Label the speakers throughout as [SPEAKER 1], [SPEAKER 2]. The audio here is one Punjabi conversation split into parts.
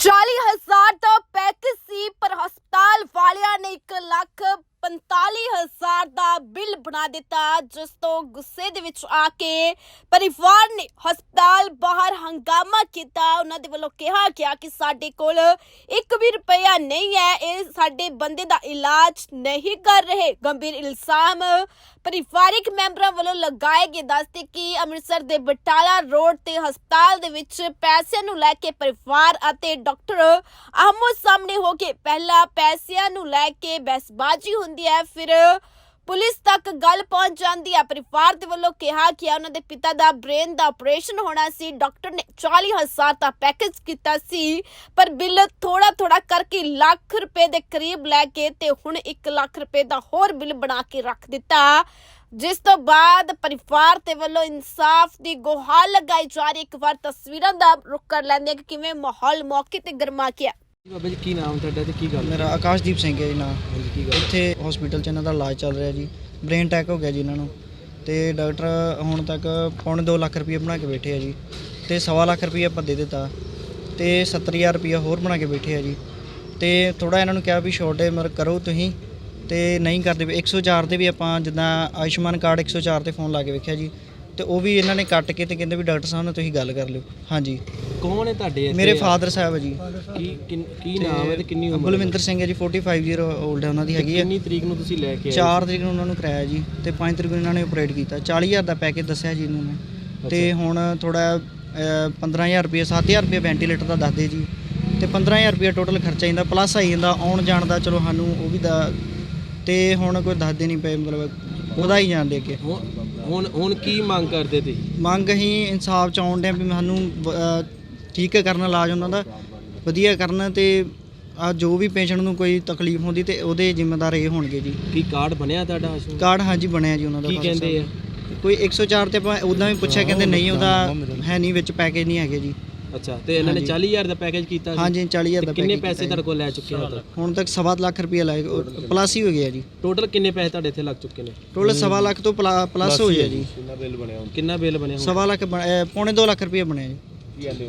[SPEAKER 1] 40,000 ਦਾ ਪੈਕੇਜ ਸੀ ਪਰ ਹਸਪਤਾਲ ਵਾਲਿਆਂ ਨੇ 1,45,000 ਦਾ ਬਿੱਲ ਬਣਾ ਦਿੱਤਾ, ਜਿਸ ਤੋਂ ਗੁੱਸੇ ਦੇ ਵਿੱਚ ਆ ਕੇ ਪਰਿਵਾਰ ਨੇ ਹਸਪਤਾਲ ਬਾਹਰ ਹੰਗਾਮਾ ਕੀਤਾ। ਉਹਨਾਂ ਦੇ ਵੱਲੋਂ ਕਿਹਾ ਗਿਆ ਕਿ ਸਾਡੇ ਕੋਲ 1 ਵੀ ਰੁਪਇਆ ਨਹੀਂ ਹੈ, ਇਹ ਸਾਡੇ ਬੰਦੇ ਦਾ ਇਲਾਜ ਨਹੀਂ ਕਰ ਰਹੇ। ਗੰਭੀਰ ਇਲਜ਼ਾਮ ਪਰਿਵਾਰਿਕ ਮੈਂਬਰਾਂ ਵੱਲੋਂ ਲਗਾਏ ਗਏ। ਦੱਸਦੇ ਕਿ ਅੰਮ੍ਰਿਤਸਰ ਦੇ ਬਟਾਲਾ ਰੋਡ ਤੇ ਹਸਪਤਾਲ ਦੇ ਵਿੱਚ ਪੈਸਿਆਂ ਨੂੰ ਲੈ ਕੇ ਪਰਿਵਾਰ ਅਤੇ ਡਾਕਟਰ ਆਹਮੋ ਸਾਹਮਣੇ ਹੋ ਕੇ ਪਹਿਲਾਂ ਪੈਸਿਆਂ ਨੂੰ ਲੈ ਕੇ ਬਹਿਸਬਾਜ਼ੀ ਹੁੰਦੀ ਹੈ, ਫਿਰ ਪੁਲਿਸ ਤੱਕ ਗੱਲ ਪਹੁੰਚ ਜਾਂਦੀ ਹੈ। ਪਰਿਵਾਰ ਦੇ ਵੱਲੋਂ ਕਿਹਾ ਕਿ ਉਹਨਾਂ ਦੇ ਪਿਤਾ ਦਾ ਬ੍ਰੇਨ ਦਾ ਆਪਰੇਸ਼ਨ ਹੋਣਾ ਸੀ। ਡਾਕਟਰ ਨੇ 40,000 ਦਾ ਪੈਕੇਜ ਕੀਤਾ ਸੀ, ਪਰ ਬਿੱਲ ਥੋੜਾ ਕਰਕੇ ਲੱਖ ਰੁਪਏ ਦੇ ਕਰੀਬ ਲੈ ਕੇ ਤੇ ਹੁਣ 1 ਲੱਖ ਰੁਪਏ ਦਾ ਹੋਰ ਬਿੱਲ ਬਣਾ ਕੇ ਰੱਖ ਦਿੱਤਾ, ਜਿਸ ਤੋਂ ਬਾਅਦ ਪਰਿਵਾਰ ਦੇ ਵੱਲੋਂ ਇਨਸਾਫ ਦੀ ਗੁਹਾਰ ਲਗਾਈ ਜਾ ਰਹੀ। ਇੱਕ ਵਾਰ ਤਸਵੀਰਾਂ ਦਾ ਰੁਖ ਕਰ ਲੈਂਦੇ ਕਿ ਕਿਵੇਂ ਮਾਹੌਲ ਮੌਕੇ ਤੇ ਗਰਮਾ ਗਿਆ।
[SPEAKER 2] ਬਾਬਾ ਜੀ ਕੀ ਨਾਮ ਤੁਹਾਡਾ ਤੇ ਕੀ ਗੱਲ?
[SPEAKER 3] ਮੇਰਾ ਆਕਾਸ਼ਦੀਪ ਸਿੰਘ ਹੈ ਜੀ ਨਾਮ।
[SPEAKER 2] ਕੀ ਗੱਲ?
[SPEAKER 3] ਇੱਥੇ ਹਸਪੀਟਲ 'ਚ ਇਹਨਾਂ ਦਾ ਇਲਾਜ ਚੱਲ ਰਿਹਾ ਜੀ। ਬ੍ਰੇਨ ਅਟੈਕ ਹੋ ਗਿਆ ਜੀ ਇਹਨਾਂ ਨੂੰ, ਤੇ ਡਾਕਟਰ ਹੁਣ ਤੱਕ ਪੌਣੇ 2 ਲੱਖ ਰੁਪਏ ਬਣਾ ਕੇ ਬੈਠੇ ਆ ਜੀ, ਤੇ 1.25 ਲੱਖ ਰੁਪਏ ਆਪਾਂ ਦੇ ਦਿੱਤਾ, ਤੇ 70,000 ਰੁਪਏ ਹੋਰ ਬਣਾ ਕੇ ਬੈਠੇ ਆ ਜੀ। ਤੇ ਥੋੜਾ ਇਹਨਾਂ ਨੂੰ ਕਿਹਾ ਵੀ ਛੋਟੇ ਕਰੋ ਤੁਸੀਂ, ਤੇ ਨਹੀਂ ਕਰਦੇ। 104 ਤੇ ਵੀ ਆਪਾਂ ਜਿੱਦਾਂ ਆਯੁਸ਼ਮਾਨ ਕਾਰਡ 104 ਤੇ ਫੋਨ ਲਾ ਕੇ ਵੇਖਿਆ ਜੀ, ਤੇ ਉਹ ਵੀ ਇਹਨਾਂ ਨੇ ਕੱਟ ਕੇ ਤੇ ਕਹਿੰਦੇ ਵੀ ਡਾਕਟਰ ਸਾਹਿਬ ਨਾਲ ਤੁਸੀਂ ਗੱਲ ਕਰ ਲਿਓ। ਹਾਂਜੀ,
[SPEAKER 2] ਕੌਣ ਹੈ ਤੁਹਾਡੇ ਇੱਥੇ?
[SPEAKER 3] ਮੇਰੇ ਫਾਦਰ ਸਾਹਿਬ ਹੈ ਜੀ।
[SPEAKER 2] ਕੀ ਨਾਮ ਹੈ ਤੇ ਕਿੰਨੀ ਉਮਰ?
[SPEAKER 3] ਬਲਵਿੰਦਰ ਸਿੰਘ ਹੈ ਜੀ, 45 ਈਅਰ 올ਡ ਹੈ ਉਹਨਾਂ ਦੀ ਹੈਗੀ ਹੈ।
[SPEAKER 2] ਕਿੰਨੀ ਤਰੀਕ ਨੂੰ ਤੁਸੀਂ ਲੈ ਕੇ ਆਏ?
[SPEAKER 3] 4 ਤਰੀਕ ਨੂੰ ਉਹਨਾਂ ਨੂੰ ਕਰਾਇਆ ਜੀ, ਤੇ 5 ਤਰੀਕ ਨੂੰ ਇਹਨਾਂ ਨੇ ਆਪਰੇਟ ਕੀਤਾ। 40,000 ਦਾ ਪੈਕੇਜ ਦੱਸਿਆ ਜੀ ਇਹਨਾਂ ਨੇ, ਤੇ ਹੁਣ ਥੋੜਾ 15,000 ਰੁਪਏ 7,000 ਰੁਪਏ ਵੈਂਟੀਲੇਟਰ ਦਾ ਦੱਸਦੇ ਜੀ, ਤੇ 15,000 ਰੁਪਏ ਟੋਟਲ ਖਰਚਾ ਜਾਂਦਾ, ਪਲੱਸ ਆਈ ਜਾਂਦਾ ਆਉਣ ਜਾਣ ਦਾ। ਚਲੋ ਸਾਨੂੰ ਉਹ ਵੀ ਦਾ, ਤੇ ਹੁਣ ਕੋਈ ਦੱਸਦੇ ਨਹੀਂ ਪਏ, ਮਤਲਬ ਉਹਦਾ ਹੀ ਜਾਣ ਦੇ ਕੇ।
[SPEAKER 2] ਹੁਣ ਕੀ ਮੰਗ ਕਰਦੇ ਤੁਸੀਂ?
[SPEAKER 3] ਮੰਗ ਅਸੀਂ ਇਨਸਾਫ ਚ ਆਉਣ ਡਿਆ ਵੀ ਸਾਨੂੰ ਠੀਕ ਕਰਨ, ਇਲਾਜ ਉਹਨਾਂ ਦਾ ਵਧੀਆ ਕਰਨ, ਤੇ ਆ ਜੋ ਵੀ ਪੇਸ਼ੈਂਟ ਨੂੰ ਕੋਈ ਤਕਲੀਫ ਹੁੰਦੀ ਤੇ ਉਹਦੇ ਜ਼ਿੰਮੇਦਾਰ ਇਹ ਹੋਣਗੇ ਜੀ।
[SPEAKER 2] ਕੀ ਕਾਰਡ ਬਣਿਆ ਤੁਹਾਡਾ?
[SPEAKER 3] ਕਾਰਡ ਹਾਂਜੀ ਬਣਿਆ ਜੀ ਉਹਨਾਂ ਦਾ।
[SPEAKER 2] ਕੀ ਕਹਿੰਦੇ ਆ?
[SPEAKER 3] ਕੋਈ 104 ਤੇ ਆਪਾਂ ਉੱਦਾਂ ਵੀ ਪੁੱਛਿਆ, ਕਹਿੰਦੇ ਨਹੀਂ ਉਹਦਾ ਹੈ ਨਹੀਂ, ਵਿੱਚ ਪੈਕੇਜ ਨਹੀਂ ਹੈਗੇ ਜੀ।
[SPEAKER 2] ਅੱਛਾ, ਤੇ ਇਹਨਾਂ ਨੇ 40,000 ਦਾ ਪੈਕੇਜ ਕੀਤਾ?
[SPEAKER 3] ਹਾਂਜੀ 40,000 ਦਾ।
[SPEAKER 2] ਕਿੰਨੇ ਪੈਸੇ ਤੁਹਾਡੇ ਕੋਲ ਲੈ ਚੁੱਕੇ ਹੋ?
[SPEAKER 3] ਹੁਣ ਤੱਕ 1.25 ਲੱਖ ਰੁਪਏ ਲਾਏ, ਪਲੱਸ ਹੀ ਹੋ ਗਿਆ ਜੀ।
[SPEAKER 2] ਟੋਟਲ ਕਿੰਨੇ ਪੈਸੇ ਤੁਹਾਡੇ ਇੱਥੇ ਲੱਗ ਚੁੱਕੇ ਨੇ?
[SPEAKER 3] ਟੋਟਲ 1.25 ਲੱਖ ਤੋਂ ਪਲੱਸ ਹੋ ਗਿਆ ਜੀ।
[SPEAKER 2] ਕਿੰਨਾ ਬਿੱਲ ਬਣਿਆ?
[SPEAKER 3] 1.25 ਲੱਖ ਪੌਣੇ 2 ਲੱਖ ਰੁਪਏ ਬਣਿਆ ਜੀ।
[SPEAKER 2] ਕੀ ਕਹਿੰਦੇ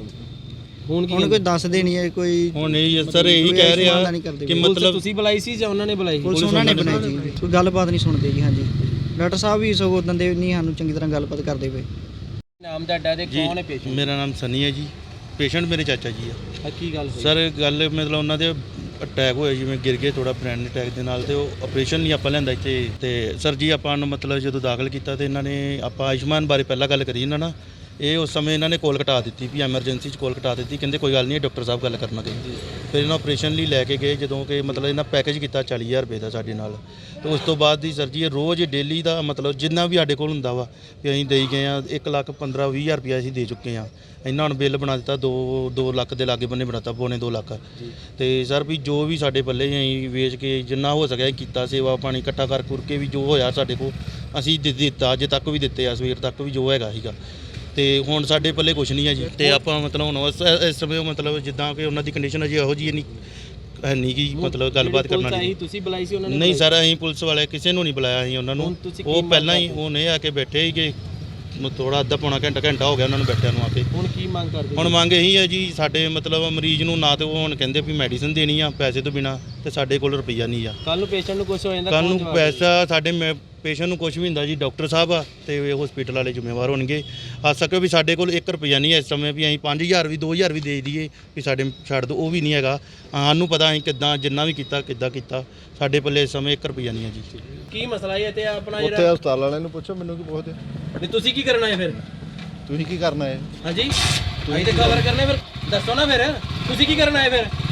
[SPEAKER 2] ਹੁਣ
[SPEAKER 3] ਕੋਈ ਦੱਸਦੇ ਨਹੀਂ ਹੈ ਕੋਈ।
[SPEAKER 4] ਹੁਣ ਨਹੀਂ ਸਰ, ਇਹੀ ਕਹਿ ਰਿਹਾ ਕਿ ਮਤਲਬ
[SPEAKER 2] ਤੁਸੀਂ ਬੁਲਾਈ ਸੀ ਜਾਂ ਉਹਨਾਂ ਨੇ ਬੁਲਾਈ?
[SPEAKER 3] ਪੁਲਿਸ ਉਹਨਾਂ ਨੇ ਬਣਾਈ ਜੀ, ਕੋਈ ਗੱਲਬਾਤ ਨਹੀਂ ਸੁਣਦੇ ਜੀ। ਹਾਂਜੀ, ਡਾਕਟਰ ਸਾਹਿਬ ਵੀ ਸਗੋਂ ਉਦੋਂ ਦੇ ਨਹੀਂ ਸਾਨੂੰ ਚੰਗੀ ਤਰ੍ਹਾਂ ਗੱਲਬਾਤ ਕਰਦੇ ਪਏ।
[SPEAKER 2] ਨਾਮ ਤੁਹਾਡਾ ਤੇ ਕੌਣ ਹੈ ਪੇਸ਼ੈਂਟ?
[SPEAKER 4] ਮੇਰਾ ਨਾਮ ਸਨੀ ਹੈ ਜੀ, ਪੇਸ਼ੈਂਟ ਮੇਰੇ ਚਾਚਾ ਜੀ ਆ।
[SPEAKER 2] ਕੀ ਗੱਲ ਹੋਈ
[SPEAKER 4] ਸਰ? ਗੱਲ ਮਤਲਬ ਉਹਨਾਂ ਦੇ ਅਟੈਕ ਹੋਇਆ, ਜਿਵੇਂ ਗਿਰ ਗਏ ਥੋੜਾ ਬ੍ਰੇਨ ਅਟੈਕ ਦੇ ਨਾਲ, ਤੇ ਉਹ ਆਪਰੇਸ਼ਨ ਨਹੀਂ ਆਪਾਂ ਲੈਂਦਾ ਇੱਥੇ। ਤੇ ਸਰ ਜੀ ਆਪਾਂ ਨੂੰ ਮਤਲਬ ਜਦੋਂ ਦਾਖਲ ਕੀਤਾ ਤੇ ਇਹਨਾਂ ਨੇ ਆਪਾਂ ਆਯੁਸ਼ਮਾਨ ਬਾਰੇ ਪਹਿਲਾਂ ਗੱਲ ਕਰੀ ਇਹਨਾਂ ਨਾਲ। ਇਹ ਉਸ ਸਮੇਂ ਇਹਨਾਂ ਨੇ ਕੋਲ ਕਟਾ ਦਿੱਤੀ ਵੀ ਐਮਰਜੈਂਸੀ 'ਚ ਕੋਲ ਕਟਾ ਦਿੱਤੀ, ਕਹਿੰਦੇ ਕੋਈ ਗੱਲ ਨਹੀਂ ਡਾਕਟਰ ਸਾਹਿਬ ਗੱਲ ਕਰਨਾ ਕਹਿੰਦੇ। ਫਿਰ ਇਹਨਾਂ ਆਪਰੇਸ਼ਨ ਲਈ ਲੈ ਕੇ ਗਏ, ਜਦੋਂ ਕਿ ਮਤਲਬ ਇਹਨਾਂ ਪੈਕੇਜ ਕੀਤਾ 40,000 ਰੁਪਏ ਦਾ ਸਾਡੇ ਨਾਲ। ਤੇ ਉਸ ਤੋਂ ਬਾਅਦ ਦੀ ਸਰ ਜੀ ਰੋਜ਼ ਡੇਲੀ ਦਾ ਮਤਲਬ ਜਿੰਨਾ ਵੀ ਸਾਡੇ ਕੋਲ ਹੁੰਦਾ ਵਾ ਵੀ ਅਸੀਂ ਦੇਈ ਗਏ ਆ। 1,15,20,000 ਰੁਪਇਆ ਅਸੀਂ ਦੇ ਚੁੱਕੇ ਆ। ਇਹਨਾਂ ਹੁਣ ਬਿੱਲ ਬਣਾ ਦਿੱਤਾ 2 ਲੱਖ ਦੇ ਲਾਗੇ ਬੰਨੇ ਬਣਾਤਾ, ਪੌਣੇ 2 ਲੱਖ। ਤੇ ਸਰ ਵੀ ਜੋ ਵੀ ਸਾਡੇ ਪੱਲੇ ਅਸੀਂ ਵੇਚ ਕੇ ਜਿੰਨਾ ਹੋ ਸਕਿਆ ਕੀਤਾ, ਸੇਵਾ ਪਾਣੀ ਇਕੱਠਾ ਕਰ ਕੇ ਵੀ ਜੋ ਹੋਇਆ ਸਾਡੇ ਕੋਲ ਅਸੀਂ ਦਿੱਤਾ, ਅਜੇ ਤੱਕ ਵੀ ਦਿੱਤੇ ਆ, ਸਵੇਰ ਤੱਕ ਵੀ ਜੋ ਹੈਗਾ ਸੀਗਾ। ਤੇ ਹੁਣ ਸਾਡੇ ਪੱਲੇ ਕੁਛ ਨਹੀਂ ਹੈ ਜੀ। ਤੇ ਆਪਾਂ ਮਤਲਬ ਹੁਣ ਇਸ ਸਮੇਂ ਮਤਲਬ ਜਿੱਦਾਂ ਕਿ ਉਹਨਾਂ ਦੀ ਕੰਡੀਸ਼ਨ ਅਜੇ ਇਹੋ ਜਿਹੀ ਨਹੀਂ ਕਿ ਮਤਲਬ ਗੱਲਬਾਤ ਕਰਨਾ ਨਹੀਂ।
[SPEAKER 2] ਤੁਸੀਂ ਬੁਲਾਈ ਸੀ ਉਹਨਾਂ ਨੇ?
[SPEAKER 4] ਨਹੀਂ ਸਰ, ਅਸੀਂ ਪੁਲਿਸ ਵਾਲੇ ਕਿਸੇ ਨੂੰ ਨਹੀਂ ਬੁਲਾਇਆ ਸੀ ਉਹਨਾਂ ਨੂੰ। ਉਹ ਪਹਿਲਾਂ ਹੀ ਉਹਨੇ ਆ ਕੇ ਬੈਠੇ ਸੀਗੇ, ਥੋੜਾ ਅੱਧਾ ਪੌਣਾ ਘੰਟਾ ਹੋ ਗਿਆ ਉਹਨਾਂ ਨੂੰ ਬੈਠਿਆਂ ਨੂੰ ਆ ਕੇ।
[SPEAKER 2] ਹੁਣ ਕੀ ਮੰਗ ਕਰਦੇ?
[SPEAKER 4] ਹੁਣ ਮੰਗ ਇਹੀ ਹੈ ਜੀ, ਸਾਡੇ ਮਤਲਬ ਮਰੀਜ਼ ਨੂੰ ਨਾ ਤੇ ਉਹ ਹੁਣ ਕਹਿੰਦੇ ਵੀ ਮੈਡੀਸਿਨ ਦੇਣੀ ਆ ਪੈਸੇ ਤੋਂ ਬਿਨਾ, ਤੇ ਸਾਡੇ ਕੋਲ ਰੁਪਈਆ ਨਹੀਂ ਆ।
[SPEAKER 2] ਕੱਲ ਨੂੰ ਪੇਸ਼ੈਂਟ ਨੂੰ ਕੁਝ ਹੋ ਜਾਂਦਾ,
[SPEAKER 4] ਕੱਲ ਨੂੰ ਪੈਸਾ ਸਾਡੇ ਪੇਸ਼ੈਂਟ ਨੂੰ ਕੁਝ ਵੀ ਹੁੰਦਾ ਜੀ, ਡਾਕਟਰ ਸਾਹਿਬ ਆ ਤੇ ਹਸਪੀਟਲ ਵਾਲੇ ਜ਼ਿੰਮੇਵਾਰ ਹੋਣਗੇ। ਆ ਸਕੇ ਵੀ ਸਾਡੇ ਕੋਲ 1 ਰੁਪਈਆ ਨਹੀਂ ਹੈ ਇਸ ਸਮੇਂ, ਵੀ ਅਸੀਂ 5,000 ਵੀ 2,000 ਵੀ ਦੇ ਦਈਏ ਵੀ ਸਾਡੇ ਛੱਡ ਦਿਓ, ਉਹ ਵੀ ਨਹੀਂ ਹੈਗਾ। ਸਾਨੂੰ ਪਤਾ ਅਸੀਂ ਕਿੱਦਾਂ ਜਿੰਨਾ ਵੀ ਕੀਤਾ ਕਿੱਦਾਂ ਕੀਤਾ, ਸਾਡੇ ਪੱਲੇ ਇਸ ਸਮੇਂ 1 ਰੁਪਈਆ ਨਹੀਂ ਹੈ ਜੀ।
[SPEAKER 2] ਕੀ ਮਸਲਾ ਹੈ ਤੇ ਆਪਣਾ
[SPEAKER 5] ਉੱਥੇ
[SPEAKER 2] ਜਿਹੜਾ
[SPEAKER 5] ਹਸਪਤਾਲ ਵਾਲਿਆਂ ਨੂੰ ਪੁੱਛੋ, ਮੈਨੂੰ ਕੀ ਪੁੱਛਦੇ?
[SPEAKER 2] ਨਹੀਂ ਤੁਸੀਂ ਕੀ ਕਰਨਾ ਹੈ ਫਿਰ?
[SPEAKER 5] ਤੁਸੀਂ ਕੀ ਕਰਨਾ ਹੈ?
[SPEAKER 2] ਹਾਂਜੀ ਅਸੀਂ ਤੇ ਕਵਰ ਕਰਨੇ, ਫਿਰ ਦੱਸੋ ਨਾ ਫਿਰ ਤੁਸੀਂ ਕੀ ਕਰਨਾ ਹੈ ਫਿਰ?